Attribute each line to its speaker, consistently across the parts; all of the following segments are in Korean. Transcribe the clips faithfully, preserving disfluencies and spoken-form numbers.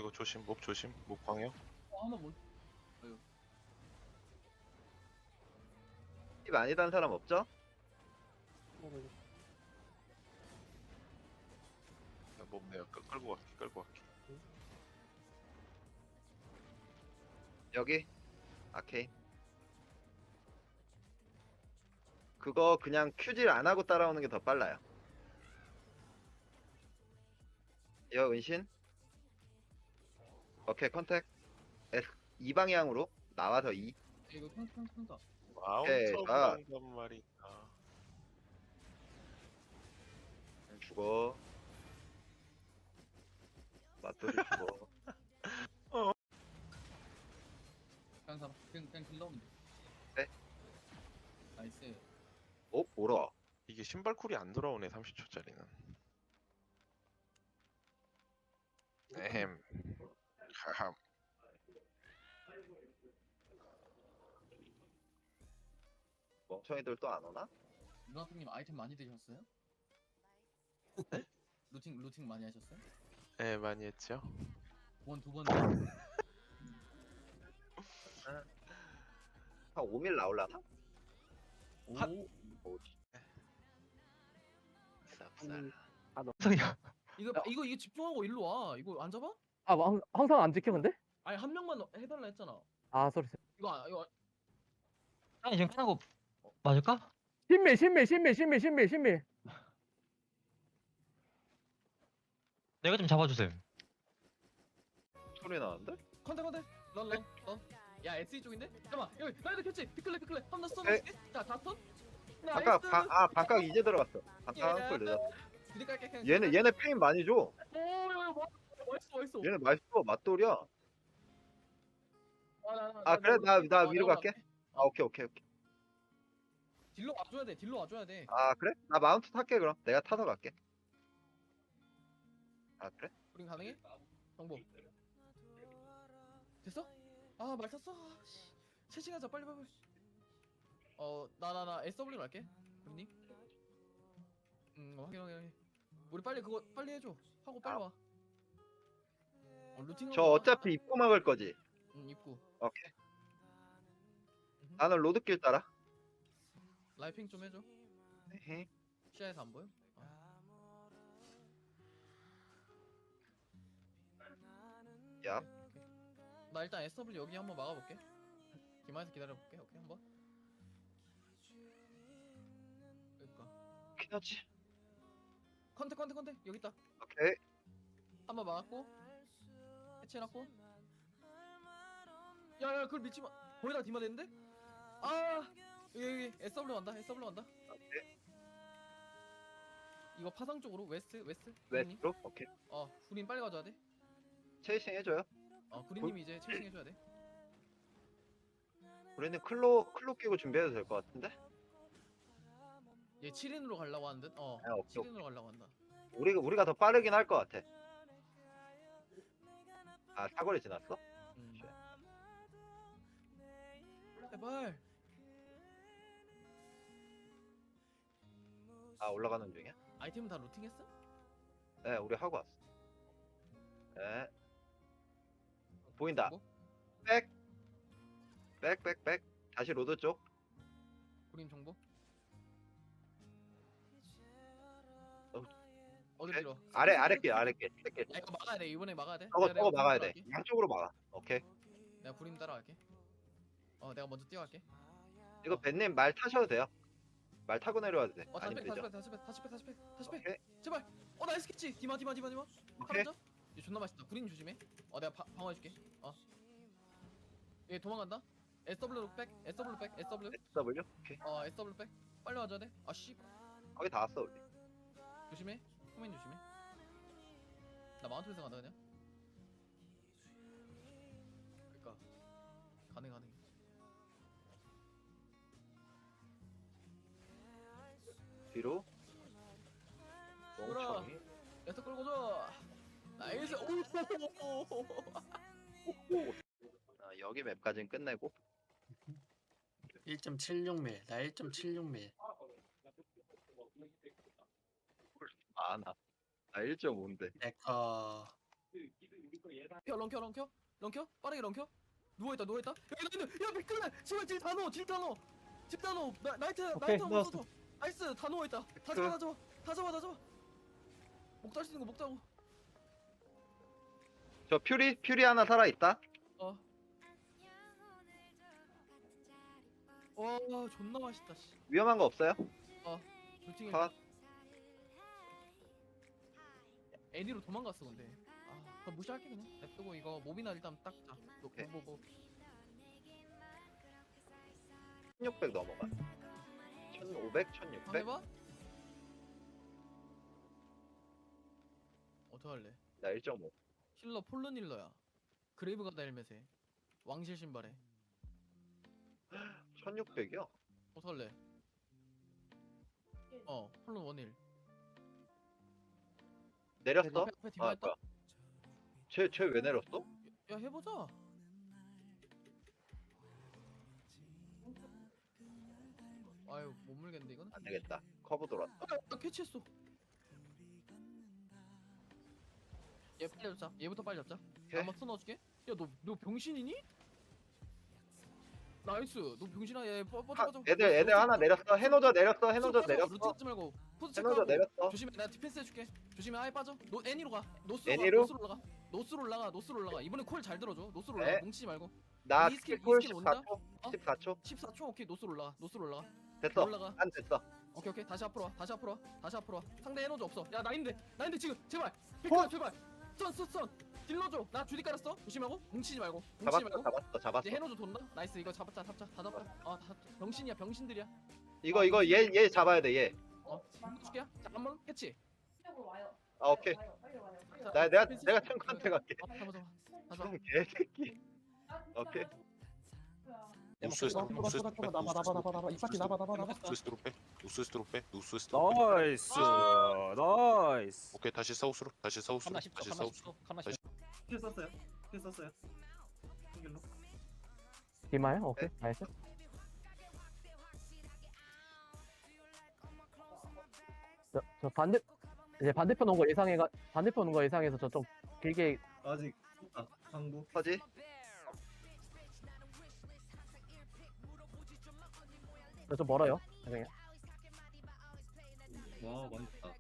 Speaker 1: 이거 조심, 목 조심, 목 광역.
Speaker 2: 어, 한번 못.
Speaker 3: 이 많이 단 사람 없죠?
Speaker 1: 몸 내가 끌- 끌고 갈게, 끌고 갈게.
Speaker 3: 여기 아케인. 그거 그냥 큐질 안 하고 따라오는 게 더 빨라요. 여 은신. 오케이 컨택. S 이 방향으로 나와서 이.
Speaker 2: 이거 평평 평다.
Speaker 1: 마운터
Speaker 3: 아.
Speaker 1: 브라운단 말이야.
Speaker 3: 죽어. 맞돌이 죽어.
Speaker 2: 그냥 잡아. 그냥 그냥 길 넣으면 돼.
Speaker 3: 네.
Speaker 2: 나이스.
Speaker 3: 어 뭐라?
Speaker 1: 이게 신발 쿨이 안 돌아오네, 삼십 초짜리는. 에헴. 하함.
Speaker 3: 멍청이들 또 안 오나?
Speaker 2: 루나통님 아이템 많이 드셨어요? 루팅 루팅 많이 하셨어요?
Speaker 1: 네, 많이 했죠.
Speaker 2: 원 두 번.
Speaker 3: 한 오 밀 나올라나?
Speaker 2: 오.
Speaker 3: 오. 쌉쌀.
Speaker 4: 성이야.
Speaker 2: 이거 이거 이거 집중하고 일로 와. 이거 안 잡아?
Speaker 4: 아, 뭐 항- 항상 안 지켜 근데?
Speaker 2: 아니 한 명만 해달라 했잖아.
Speaker 4: 아, 소리.
Speaker 2: 이거 아- 이거
Speaker 5: 아니 지금 끝난 거 맞을까?
Speaker 4: 신밀, 신밀, 신밀, 신밀, 신밀, 신밀.
Speaker 5: 내가 좀 잡아주세요.
Speaker 3: 소리 나는데?
Speaker 2: 컨택 컨택. 런런 런. 야 에스이 쪽인데? 잠깐만 여기 나이도 켰지? 피클레 피클레 한번 더
Speaker 3: 네.
Speaker 2: 써놓을게. 자 다턴.
Speaker 3: 반각 바, 아 반각 이제 들어갔어. 반각 한골 늦었어.
Speaker 2: 부디 깔게 그냥.
Speaker 3: 얘네 얘네 페인 많이 줘.
Speaker 2: 오 이거 뭐 멋있어 멋있어.
Speaker 3: 얘네 맛있어 맛돌이야.
Speaker 2: 아, 나, 나,
Speaker 3: 아, 그래? 나- 나
Speaker 2: 어,
Speaker 3: 위로
Speaker 2: 내가
Speaker 3: 갈게.
Speaker 2: 갈게.
Speaker 3: 아 오케이 오케이 오케이.
Speaker 2: 딜로 와줘야 돼. 딜로 와줘야 돼.
Speaker 3: 아 그래? 나 마운트 탈게 그럼. 내가 타서 갈게. 아 그래?
Speaker 2: 우린 가능해? 정보. 됐어? 아 말 탔어. 채팅하자 빨리 빨리. 어나 나 나 에스더블유로 할게. 우리님. 음 어, 확인 확인 확인. 우리 빨리 그거 빨리 해줘. 하고 빨리
Speaker 3: 아.
Speaker 2: 와. 어, 루팅.
Speaker 3: 저 어차피 입고 막을 거지.
Speaker 2: 응 입구.
Speaker 3: 오케이.
Speaker 2: 음흠.
Speaker 3: 나는 로드길 따라.
Speaker 2: 라이핑 좀 해줘.
Speaker 3: 에헤.
Speaker 2: 시야에서 안 보여? 아.
Speaker 3: 야.
Speaker 2: 나 일단 에스더블유 여기 한번 막아볼게. 기마에서 기다려볼게. 오케이 한번. 그러니까.
Speaker 3: 키너지.
Speaker 2: 컨택 컨택 컨택 여기 있다.
Speaker 3: 오케이.
Speaker 2: 한번 막았고 해체해놨고. 야야 그걸 믿지 마. 거기다 디마 됐는데? 아 여기 여기 에스더블유 간다. 에스더블유 간다. 이거 파상 쪽으로 웨스트 웨스트. 구린님.
Speaker 3: 웨스트로. 오케이.
Speaker 2: 어 구린 빨리 가져야 돼.
Speaker 3: 체이싱 해줘요.
Speaker 2: 어 구린님이 이제 체싱 해줘야 돼.
Speaker 3: 우리는 클로 클로 끼고 준비해도 될 것 같은데?
Speaker 2: 얘 칠 인으로 가려고 하는 듯. 어
Speaker 3: 아, 오케이,
Speaker 2: 칠 인으로 가려고 한다.
Speaker 3: 우리가 우리가 더 빠르긴 할 것 같아. 아 사거리 지났어?
Speaker 2: 음. 제발.
Speaker 3: 아 올라가는 중이야?
Speaker 2: 아이템은 다 루팅했어?
Speaker 3: 네, 우리 하고 왔어. 네. 보인다.
Speaker 2: 뭐?
Speaker 3: 백. 백, 백, 백. 다시 로드 쪽.
Speaker 2: 구린 정보.
Speaker 3: 어,
Speaker 2: 어디
Speaker 3: 오케이.
Speaker 2: 밀어?
Speaker 3: 아래, 아래 길, 아래 길. 길.
Speaker 2: 야 이거 막아야 돼. 이번에 막아야 돼.
Speaker 3: 저거,
Speaker 2: 내가-
Speaker 3: 저거
Speaker 2: 내가
Speaker 3: 막아야
Speaker 2: 구린
Speaker 3: 돼.
Speaker 2: 따라갈게.
Speaker 3: 양쪽으로 막아. 오케이.
Speaker 2: 내가 구린 따라갈게. 어 내가 먼저 뛰어갈게.
Speaker 3: 이거 벤님 말 타셔도 돼요. 말 타고 내려와도 돼.
Speaker 2: 어 다시
Speaker 3: 아니면
Speaker 2: 백
Speaker 3: 되죠.
Speaker 2: 다시 백 다시 백 다시 백 다시 백 다시 백
Speaker 3: 오케이.
Speaker 2: 제발. 어 나이스 캐치. 디마 디마 디마 디마.
Speaker 3: 오케이.
Speaker 2: 팔았죠? 얘 존나 맛있다. 구린 조심해. 어 내가 바, 방어해줄게. 어. 얘 도망간다. 에스더블유 백 에스더블유 백 에스더블유.
Speaker 3: W. 오케이.
Speaker 2: 어 에스더블유 백. 빨리 와줘야 돼. 아씨.
Speaker 3: 거기 다 왔어, 우리.
Speaker 2: 조심해. 후면 조심해. 나 마운트에서 간다 그냥. 그니까 가능 가능.
Speaker 3: 뒤로.
Speaker 2: 돌아.
Speaker 3: 멍청이.
Speaker 2: 에스더 끌고 줘. 나이스. 오.
Speaker 3: 아, 여기 맵까지는 끝내고.
Speaker 6: 일 점 칠육 밀, 나 일 점 칠육 밀.
Speaker 3: 아, 나. 나 일 점 오인데.
Speaker 6: 네커
Speaker 2: 켜 런켜 런켜 런켜 빠르게 런켜 누워있다 누워있다 야 나이트 야 미끌래 제발 딜다 넣어 딜다 넣어 딜다 넣어 나, 나이트
Speaker 5: 오케이,
Speaker 2: 나이트 한번
Speaker 5: 넣었어.
Speaker 2: 써줘 나이스 다 누워있다 다
Speaker 3: 그-
Speaker 2: 잡아 다 잡아 다 잡아 다 잡아 목 달수 있는 거목 잡고
Speaker 3: 저 퓨리 퓨리 하나 살아 있다.
Speaker 2: 어. 와 존나 맛있다 씨.
Speaker 3: 위험한 거 없어요?
Speaker 2: 불팅이
Speaker 3: 컷.
Speaker 2: 애니로 도망갔어 근데. 아, 그럼 무시할게 그냥. 냅두고 이거 몹이나 일단 딱 자.
Speaker 3: 오케이.
Speaker 2: 뭐뭐
Speaker 3: 천육백 넘어가. 천오백,
Speaker 2: 한번
Speaker 3: 천육백.
Speaker 2: 해봐. 어떡할래?
Speaker 3: 나 일 점 오.
Speaker 2: 힐러 폴른 힐러야. 그레이브 가다 헬멧에 왕실 신발에.
Speaker 3: 천육백이요?
Speaker 2: 어떡할래? 어 폴른 원힐.
Speaker 3: 내렸어?
Speaker 2: 앞에, 앞에 디바
Speaker 3: 아,
Speaker 2: 했다.
Speaker 3: 뭐야? 쟤쟤 왜 내렸어?
Speaker 2: 야 해보자. 아유 못 물겠는데 이건?
Speaker 3: 안 되겠다. 커브 돌았다.
Speaker 2: 아, 나 캐치했어. 얘 빨리 잡자. 얘부터 빨리 잡자.
Speaker 3: 오케이.
Speaker 2: 한번 넣어줄게. 야 너 너 병신이니? 나이스. 너 병신아 얘 뻗- 뻗어
Speaker 3: 하,
Speaker 2: 뻗어.
Speaker 3: 애들 애들 하나 내렸어. 해노저 내렸어. 해노저
Speaker 2: 루트
Speaker 3: 내렸어.
Speaker 2: 하지 말고 포즈
Speaker 3: 해노저
Speaker 2: 체크하고.
Speaker 3: 내렸어.
Speaker 2: 조심해. 내가 디펜스 해줄게. 조심해. 아예 빠져. 노 애니로 가. 노스로
Speaker 3: 애니로?
Speaker 2: 가. 노스로 올라가. 노스로 올라가. 노스로 올라가. 이번에 콜 잘 들어줘. 노스로 올라가.
Speaker 3: 네.
Speaker 2: 뭉치지 말고.
Speaker 3: 나
Speaker 2: 이 스킬,
Speaker 3: 스킬풀
Speaker 2: 이 스킬 온다?
Speaker 3: 십사 초.
Speaker 2: 어?
Speaker 3: 십사 초.
Speaker 2: 십사 초. 오케이. 노스로 올라가. 노스로 올라가.
Speaker 3: 됐어.
Speaker 2: 올라가.
Speaker 3: 난 됐어.
Speaker 2: 오케이 오케이. 다시 앞으로 와. 다시 앞으로 와. 다시 앞으로 와. 상대 에너지 없어. 야 나인데. 나인데 지금 제발. 백화 제발. 썬썬썬 딜러줘. 나 주디 깔았어. 조심하고. 뭉치지 말고. 뭉치지
Speaker 3: 잡았어.
Speaker 2: 말고.
Speaker 3: 잡았어. 잡았어.
Speaker 2: 이제 해노조 돈다. 나이스. 이거 잡았자. 잡자. 다 잡자. 아, 다 병신이야. 병신들이야.
Speaker 3: 이거 이거 얘 얘 잡아야 돼. 얘.
Speaker 2: 어? 줄게야. 자, 한번 했지.
Speaker 3: 아 오케이. 나 내가 내가 탱크한테 갈게.
Speaker 2: 어, 잡아 잡아. 다 잡아.
Speaker 3: 형 개새끼. 오케이.
Speaker 7: 노스웨스트로 빼, 노스웨스트로 빼,
Speaker 4: 나봐 나봐 나봐 나봐 이 파티 나봐 나봐 나봐.
Speaker 7: 노스웨스트로 빼, 노스웨스트로 빼, 노스웨스트로 빼.
Speaker 8: 나이스 나이스
Speaker 7: 오케이, 다시 사우스로, 다시 사우스로,
Speaker 5: 칸나 십 초,
Speaker 7: 다시
Speaker 5: 칸나 십
Speaker 7: 사우스로.
Speaker 5: 초, 칸나
Speaker 7: 다시.
Speaker 5: 십 초.
Speaker 6: 킬 썼어요. 킬 썼어요. 한길로.
Speaker 4: 디마요? 오케이 나이스. 저, 저 반대 이제 반대편 온 거 예상해가 반대편 온 거 예상해서 저 좀 길게
Speaker 6: 아직 아, 항구.
Speaker 3: 서지.
Speaker 4: 저좀 멀어요. 그냥.
Speaker 6: 와 많다.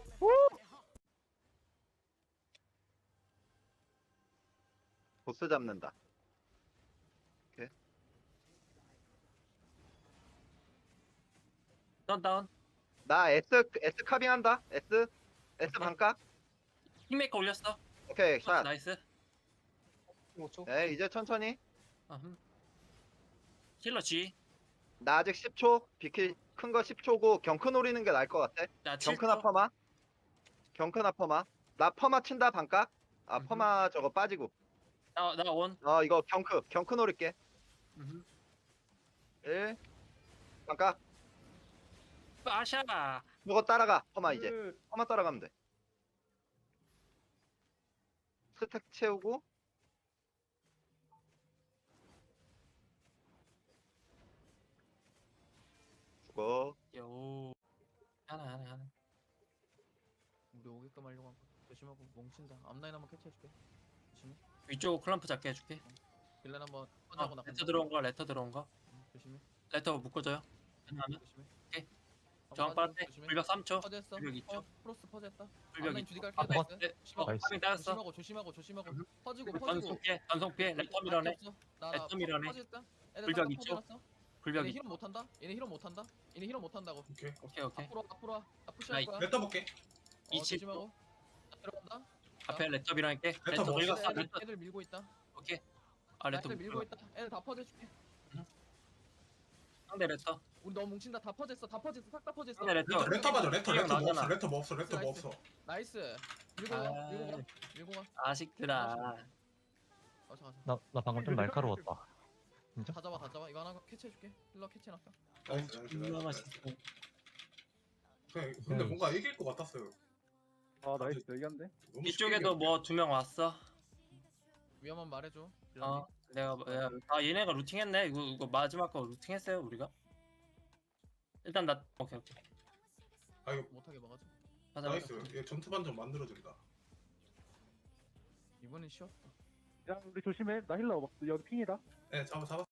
Speaker 3: 보스 잡는다.
Speaker 6: 다운 다운.
Speaker 3: 나 S S 카빙 한다. S S 반값.
Speaker 6: 킹메이커 올렸어.
Speaker 3: 오케이 샷.
Speaker 6: 나이스.
Speaker 5: 오 초.
Speaker 3: 네 이제 천천히.
Speaker 6: 아흠. 힐러 G.
Speaker 3: 나 아직 십 초. 비킬 큰 거 십 초고 경크 노리는 게 나을 것 같아.
Speaker 6: 나 칠 초.
Speaker 3: 경크나 퍼마. 경크나 퍼마. 나 퍼마 친다 반값. 아
Speaker 6: 음흠.
Speaker 3: 퍼마 저거 빠지고.
Speaker 6: 나나 원.
Speaker 3: 어 이거 경크 경크 노릴게.
Speaker 6: 음흠.
Speaker 3: 일 반값.
Speaker 6: 빠샤.
Speaker 3: 이거 따라가 퍼마 이제. 퍼마 따라가면 돼. 스택 채우고. 죽어.
Speaker 6: 요. 하나 하나 하나.
Speaker 2: 우리 오게끔 하려고 한 거. 조심하고 뭉친다. 앞라인 한번 캐치해줄게. 조심해.
Speaker 6: 위쪽 클럼프 잡게 해줄게.
Speaker 2: 딜라인 한번
Speaker 6: 어,
Speaker 2: 펀하고 나간다.
Speaker 6: 레터 들어온 거 레터 들어온 거.
Speaker 2: 응, 조심해.
Speaker 6: 레터 묶어줘요. 하나 하나.
Speaker 2: 조심해.
Speaker 6: 오케이.
Speaker 2: 한번
Speaker 6: 저항
Speaker 2: 빠지고,
Speaker 6: 빠르대.
Speaker 2: 조심해.
Speaker 6: 불벽 삼 초.
Speaker 2: 퍼즈했어.
Speaker 6: 불벽 이 초.
Speaker 2: 어, 프로스 퍼즈했다.
Speaker 6: 불벽
Speaker 2: 앞라인
Speaker 6: 이
Speaker 2: 주디
Speaker 6: 초.
Speaker 2: 갈게.
Speaker 6: 아,
Speaker 2: 나이스.
Speaker 6: 네. 어,
Speaker 2: 조심하고.
Speaker 6: 파밍 따였어.
Speaker 2: 조심하고 조심하고 조심하고.
Speaker 6: 음.
Speaker 2: 퍼지고
Speaker 6: 전속
Speaker 2: 퍼지고.
Speaker 6: 피해. 전속 피해. 레터 밀어내. 레터 밀어내. 불벽 있죠? 불벽
Speaker 2: 얘네
Speaker 6: 이
Speaker 2: 힐업 못한다. 얘네 힐업 못한다. 얘네 힐업 못한다고.
Speaker 6: 오케이 오케이.
Speaker 2: 앞으로 와, 앞으로 와. 나 푸시할
Speaker 6: 나이.
Speaker 2: 거야.
Speaker 9: 레터 볼게.
Speaker 2: 어,
Speaker 6: 이십.
Speaker 2: 조심하고. 나 들어간다.
Speaker 6: 앞에 레터 밀어낼게.
Speaker 9: 레터
Speaker 6: 레터
Speaker 9: 먹었어.
Speaker 6: 밀었어.
Speaker 2: 애들,
Speaker 6: 레터.
Speaker 2: 애들 밀고 있다.
Speaker 6: 오케이. 아 레터
Speaker 2: 애들 밀고
Speaker 6: 밀고
Speaker 2: 있다. 애들 다 퍼즈해줄게.
Speaker 6: 상대 레터.
Speaker 2: 우리 너무 뭉친다. 다 퍼졌어. 다 퍼졌어. 싹 다 퍼졌어.
Speaker 6: 상대 레터.
Speaker 9: 레터 레터 봐줘. 레터
Speaker 6: 피해
Speaker 9: 레터 뭐 없어.
Speaker 6: 나잖아.
Speaker 9: 레터 뭐 없어. 레터 뭐
Speaker 2: 나이스.
Speaker 9: 없어.
Speaker 2: 나이스. 밀고
Speaker 6: 아.
Speaker 2: 가. 밀고 가. 밀고 가.
Speaker 6: 아식들아.
Speaker 2: 가자 가자.
Speaker 5: 나, 나 방금 좀 날카로웠다. 진짜?
Speaker 2: 다 잡아 다 잡아. 이거 하나 캐치해줄게. 힐러 캐치해놨다.
Speaker 9: 나이스 나이스
Speaker 6: 존나
Speaker 9: 나이스.
Speaker 6: 맛있어.
Speaker 9: 그냥 근데 뭔가 이길 것 같았어요.
Speaker 4: 아 나이스 여기한데.
Speaker 9: 너무
Speaker 6: 이쪽에도
Speaker 9: 쉽게
Speaker 6: 뭐 두 명 왔어.
Speaker 2: 위험한 말해줘.
Speaker 6: 어. 내가 뭐- 야, 아 얘네가 루팅했네. 이거 이거 마지막 거 루팅했어요 우리가. 일단 나 오케이 오케이.
Speaker 9: 아 이거
Speaker 2: 못하게 막아줘.
Speaker 6: 하자.
Speaker 9: 나이스. 얘 전투반 좀 만들어준다.
Speaker 2: 이번엔 쉬웠다.
Speaker 10: 야 우리 조심해. 나 힐러 막 여기 핑이다.
Speaker 9: 네, 잡아 잡아.